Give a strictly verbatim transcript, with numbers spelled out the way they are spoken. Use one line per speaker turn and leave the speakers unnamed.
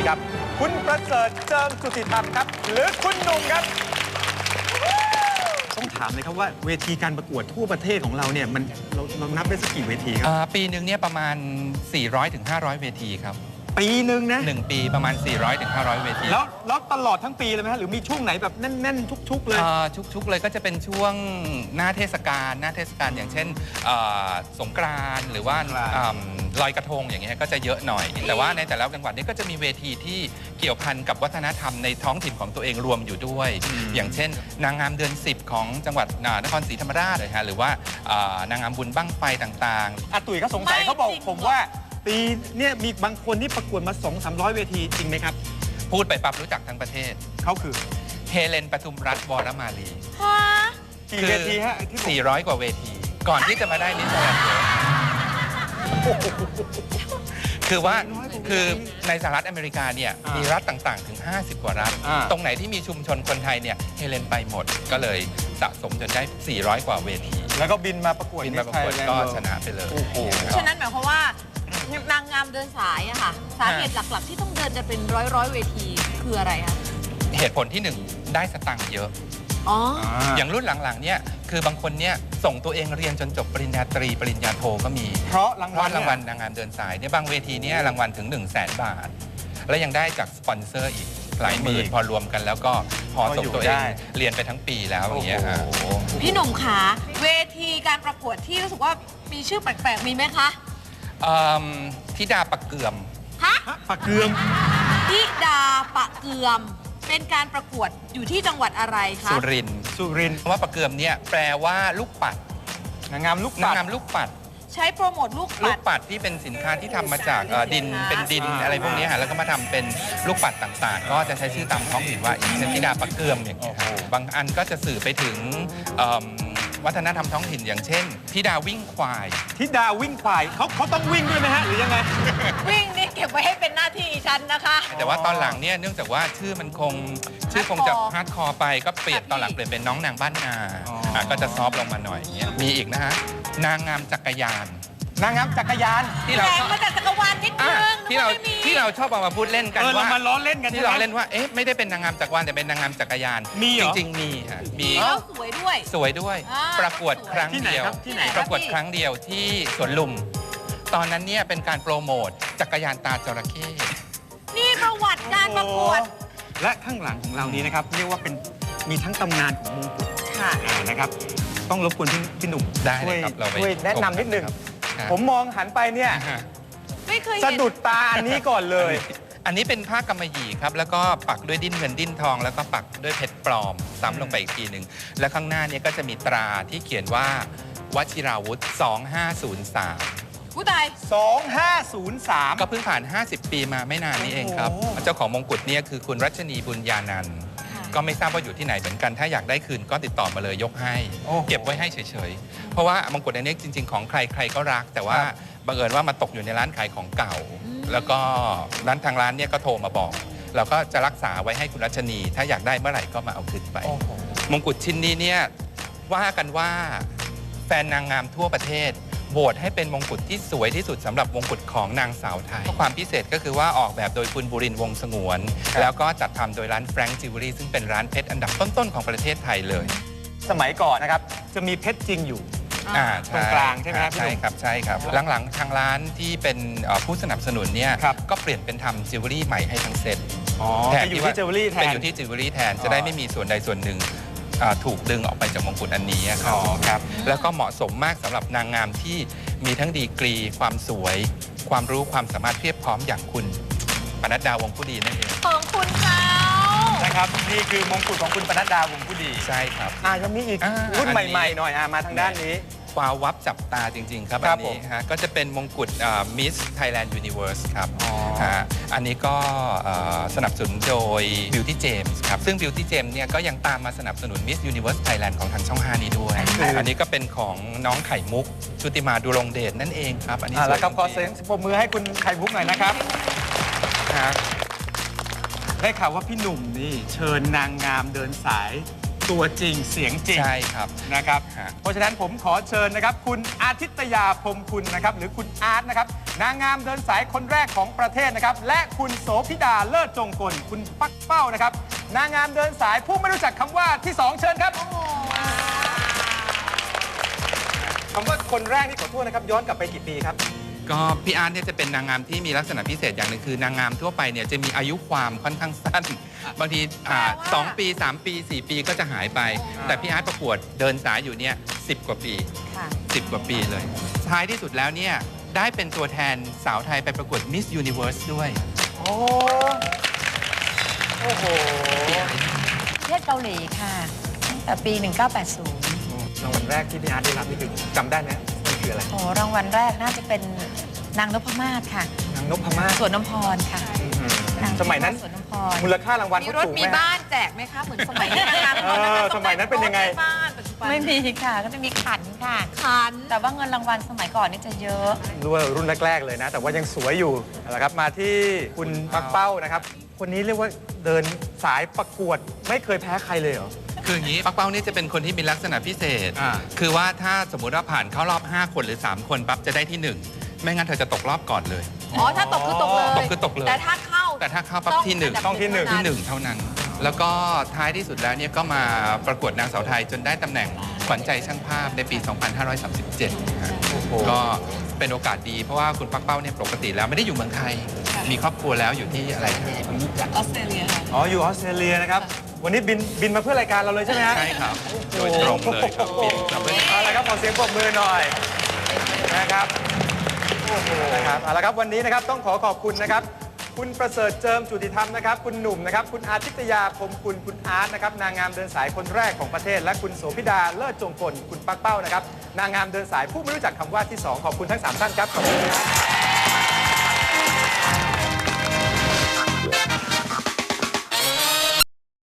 ครับคุณประเสริฐเจิมสุติธรรมครับหรือคุณหนุ่มครับต้องถามเลยครับว่าเวทีการประกวดทั่วประเทศของเราเนี่ยมันเราเรานับได้สักกี่เวทีครับ
ปีหนึ่งเนี่ยประมาณ สี่ร้อยถึงห้าร้อย เวทีครับ
ปีหนึ่งนะ
หนึ่งปีประมาณ สี่ร้อยถึงห้าร้อย เวที
แล้วแล้วตลอดทั้งปีเลยไหมฮะหรือมีช่วงไหนแบบแน่นๆชุกๆเลย
ชุกๆเลยก็จะเป็นช่วงหน้าเทศกาลหน้าเทศกาลอย่างเช่นสงกรานต์หรือว่าลอยกระทงอย่างเงี้ยก็จะเยอะหน่อยแต่ว่าในแต่ละจังหวัดนี้ก็จะมีเวทีที่เกี่ยวพันกับวัฒนธรรมในท้องถิ่นของตัวเองรวมอยู่ด้วยอย่างเช่นนางงามเดือนสิบของจังหวัดนครศรีธรรมราชเลยฮะหรือว่านางงามบุญบั้งไฟต่าง
ๆอาตุ๋ยเขาสงสัยเขาบอกผมว่าปีเนี่ยมีบางคนที่ประกวดมา สองถึงสามร้อย เวทีจริงไหมครับ
พูดไปปั๊บรู้จักทั้งประเทศ
เขาคือ
เฮเลนปทุมรัตน์วรมาลี
กี่เวทีฮะ
สี่ร้อยกว่าเวทีก่อนที่จะมาได้มิสแกรนด์คือว่าคือในสหรัฐอเมริกาเนี่ยมีรัฐต่างๆถึงห้าสิบกว่ารัฐตรงไหนที่มีชุมชนคนไทยเนี่ยเฮเลนไปหมดก็เลยสะสมจนได้สี่ร้อยกว่าเวที
แล้วก็บินมาประกวด
บินมาประกวดก็ชนะไปเลย
ฉะนั้นหมายความว่านางงามเดินสายอะค่ะสาเหตุหลักๆที่ต้องเดินจะเป็นร้อยร้อยเวทีคืออะไรคะ
เหตุผลที่หนึ่งได้สตังค์เยอะ
อ๋อ
อย่างรุ่นหลังๆเนี่ยคือบางคนเนี่ยส่งตัวเองเรียนจนจบปริญญาตรีปริญญาโทก็มี
เพราะรางวัล
รางวัลนางงามเดินสายเนี่ยบางเวทีเนี่ยรางวัลถึง หนึ่งแสน บาทและยังได้จากสปอนเซอร์อีกหลายหมื่นพอรวมกันแล้วก็พอส่งตัวเองเรียนไปทั้งปีแล้วอย่างเงี้ยค่ะ
พี่หนุ่มขาเวทีการประกวดที่รู้สึกว่ามีชื่อแปลกๆมีไหมคะ
ธิดาปะเกือม
ฮะ
ปะเกือม
ธิดาปะเกือมเป็นการประกวดอยู่ที่จังหวัดอะไรคะ
สุรินทร์
สุรินทร์
ว่าปะเกือมเนี่ยแปลว่าลูกปัด
นางงามลูก
ปัดนางงามลูกปัด
ใช้โปรโมทลูกปัด
ลูกปัดที่เป็นสินค้าที่ทำมาจากดินเป็นดินอะไรพวกนี้ฮะแล้วก็มาทำเป็นลูกปัดต่างๆก็จะใช้ชื่อตามท้องถิ่นว่าอย่างเช่นธิดาปะเกือมอย่างเงี้ยบางอันก็จะสื่อไปถึงวัฒนธรรมท้องถิ่นอย่างเช่นธิดาวิ่งควาย
ธิดาวิ่งควายเขาเขาต้องวิ่งด้วยไหมฮะหรือยังไง
วิ่งนี่เก็บไว้ให้เป็นหน้าที่ฉันนะคะ
แต่ว่าตอนหลังเนี่ยเนื่องจากว่าชื่อมันคงชื่อคงจะฮาร์ดคอร์ไปก็เปลี่ยนตอนหลังเปลี่ยนเป็นน้องนางบ้านนาก็จะซอฟลงมาหน่อยเงี้ยมีอีกนะฮะนางงามจักรยาน
นางงามจักรยาน
ที่เรามาจากจักรวาลนิดนึง
ที่เราที่เราชอบเอามาพูดเล่นกันว่า
เรามาล้อเล่นกัน
ที่เราเล่นว่าเอ๊ะไม่ได้เป็นนางงามจักรวาลแต่เป็นนางงามจักรยาน
มี
จริงๆมีค่ะมี
แล้วสวยด้วย
สวยด้วยประกวดครั้งเดียวประกวดครั้งเดียวที่สวนลุมตอนนั้นเนี่ยเป็นการโปรโมทจักรยานตาจระเข้
นี่ประวัติการประกวด
และข้างหลังของเรานี้นะครับเรียกว่าเป็นมีทั้งตำนานของมงกุฎ
ค่ะ
นะครับต้องรบกวนพี่หนุ่ม
ได้ครับเรา
ช่วยแนะนำนิดนึงผมมองหันไปเนี่ย
ไม่เคย
สะดุดตาอันนี้ก่อนเลย
อันนี้เป็นผ้ากำมะหยี่ครับแล้วก็ปักด้วยดิ้นเงินดิ้นทองแล้วก็ปักด้วยเพชรปลอมซ้ำลงไปอีกทีหนึ่งและข้างหน้านี้ก็จะมีตราที่เขียนว่าวชิราวุธสองห้าศูนย์สาม
ผู้ใด
สองห้าศูนย์สาม
ก็เพิ่งผ่านห้าสิบปีมาไม่นานนี้เองครับเจ้าของมงกุฎเนี่ยคือคุณรัชนีบุญญานันท์ก็ไม่ทราบว่าอยู่ที่ไหนเหมือนกันถ้าอยากได้คืนก็ติดต่อมาเลยยกให้เก็บไว้ให้เฉยๆเพราะว่ามงกุฎอันนี้จริงๆของใครใครก็รักแต่ว่าบังเอิญว่ามาตกอยู่ในร้านขายของเก่าแล้วก็ร้านทางร้านเนี่ยก็โทรมาบอกเราก็จะรักษาไว้ให้คุณรัชนีถ้าอยากได้เมื่อไหร่ก็มาเอาคืนไปมงกุฎชิ้นนี้เนี่ยว่ากันว่าแฟนนางงามทั่วประเทศโหวตให้เป็นมงกุฎที่สวยที่สุดสำหรับมงกุฎของนางสาวไทยความพิเศษก็คือว่าออกแบบโดยคุณบุรินทร์วงศ์สงวนแล้วก็จัดทำโดยร้านแฟรงค์จิวเวลรี่ซึ่งเป็นร้านเพชรอันดับต้นๆของประเทศไทยเลย
สมัยก่อนนะครับจะมีเพชรจริงอยู่ตรงกลางใช่ไหมครับ
ใช่ครับใช่ครับหลังๆทางร้านที่เป็นผู้สนับสนุนเนี่ยก็เปลี่ยนเป็นทำจิวเวลรี่ใหม่ให้ทั้งเซ็ต
แทนอยู่ที่จิวเวลรี่แทน
เป็นอยู่ที่จิวเวลรี่แทนจะได้ไม่มีส่วนใดส่วนหนึ่งถูกดึงออกไปจากมงกุฎอันนี้ครับแล้วก็เหมาะสมมากสำหรับนางงามที่มีทั้งดีกรีความสวยความรู้ความสามารถเพียบพร้อมอย่างคุณปนัดดาวงผู้ดีนั่นเอง
ของคุณเขา
นะครับนี่คือมงกุฎของคุณปนัดดาวงผู้ดี
ใช่ครับ
อ่ายังมีอีกรุ่นใหม่ๆหน่อยอ่ามาทางด้านนี้
ว้าววับจับตาจริงๆครับอันนี้ฮะก็จะเป็นมงกุฎมิสไทยแลนด์ยูนิเวิร์สครับอันนี้ก็สนับสนุนโดย Beauty James ครับซึ่ง Beauty James เนี่ยก็ยังตามมาสนับสนุน Miss Universe Thailand ของทางช่องห้านี้ด้วยอันนี้ก็เป็นของน้องไข่มุกชุติมาดูรงเดชนั่นเองครับอันนี้
แล้วก็ขอเสียงปรบมือให้คุณไข่มุกหน่อยนะครับได้ข่าวว่าพี่หนุ่มนี่เชิญนางงามเดินสายตัวจริงเสียงจริง
ใช่ครับ
นะครับ
ฮะ
เพราะฉะนั้นผมขอเชิญนะครับ คุณอาทิตยาพรหมคุณนะครับ หรือคุณอาร์ตนะครับ นางงามเดินสายคนแรกของประเทศนะครับ และคุณโสภิดาเลิศจงกลคุณปักเป้านะครับ นางงามเดินสายผู้ไม่รู้จักคำว่าที่สองเชิญครับคำว่าคนแรกนี่ขอโทษนะครับ ย้อนกลับไปกี่ปีครับ
ก็พี่อาร์ตเนี่ยจะเป็นนางงามที่มีลักษณะพิเศษอย่างหนึ่งคือนางงามทั่วไปเนี่ยจะมีอายุความค่อนข้างสั้น บางทีอ่า
แปลว่า
สองปีสามปีสี่ปีก็จะหายไป แต่พี่อาร์ตประกวดเดินสายอยู่เนี่ยสิบกว่าปี
ค่ะ
สิบกว่าปีเลย ท้ายที่สุดแล้วเนี่ยได้เป็นตัวแทนสาวไทยไปประกวด Miss Universe ด้วย
โอ้โอ้โห
ประเทศเกาหลีค่ะตั้งแต่ปี หนึ่งเก้าแปดศูนย์
รางวัลแรกที่พี่อาร์ตได้รับนี่คือจำได้ไหมมันคืออะไร
โอ้รางวัลแรกน่าจะเป็นนางนพมาศค่ะ
นางนพมาศ
สวนน้ำพรค่ะนาง
สมัยนั้น
สวนน้ำพร
มูลค่ารางวัล
มี
เขา
รถ
สูงไห
มี
มฮะ
บ้านแจกไหมคะ เหมือนสมัยนี้นะคะ
เออสมัยนั้นเป็นยังไง
รถมีบ้านปัจจุบัน
ไม่มีค่ะ ก็จะมีขันค่ะ
ขัน
แต่ว่าเงินรางวัลสมัยก่อนนี่จะเยอะ
รู้ว่ารุ่นแรก ๆ เลยนะ แต่ว่ายังสวยอยู่นะครับมาที่คุณปักเป้านะครับ คนนี้เรียกว่าเดินสายประกวดไม่เคยแพ้ใครเลยเหรอ
คืออย่างนี้ปักเป้าเนี่ยจะเป็นคนที่มีลักษณะพิเศษ
อ่า
คือว่าถ้าสมมุติว่าผ่านเข้ารอบ ห้า คนหรือ สาม คนปั๊บจะได้ที่หนึ่งไม่งั้นเธอจะตกรอบก่อนเลย
อ๋อ ถ้าตกคือตกเลย
ตกคือตกเลย
แต่ถ้าเข้า
แต่ถ้าเข้าปั๊บที่หนึ่ง
ต้องที่หนึ่ง
ที่หนึ่งเท่านั้น แล้วก็ท้ายที่สุดแล้วเนี่ยก็มาประกวดนางสาวไทยจนได้ตำแหน่งขวัญใจช่างภาพในปี สองพันห้าร้อยสามสิบเจ็ด
โอ้โห
ก็เป็นโอกาสดีเพราะว่าคุณปักเป้าเนี่ยปกติแล้วไม่ได้อยู่เมืองไทย มีครอบครัวแล้วอยู่ที่อะไรครับ
จากออสเตรเลียค่ะ
อ๋ออยู่ออสเตรเลียนะครับ วันนี้บินบินมาเพื่อรายการเราเลยใช่ไหมฮะ
ใช่ครับ โดยตรงเลยครับบินมาเพื่อ
เอาละครับขอเสียงปรบมือหน่อยนะครับโอ้โหนะครับเอาละครับวันนี้นะครับต้องขอขอบคุณนะครับ คุณประเสริฐเจิมจุติธรรมนะครับคุณหนุ่มนะครับคุณอาทิตยาพรหมคุณคุณอาร์ตนะครับนางงามเดินสายคนแรกของประเทศ และคุณโสภิดาเลิศจงกลคุณปักเป้านะครับนางงามเดินสายผู้ไม่รู้จักคำว่าที่สองขอบคุณทั้งสามท่านครับขอบคุณครับ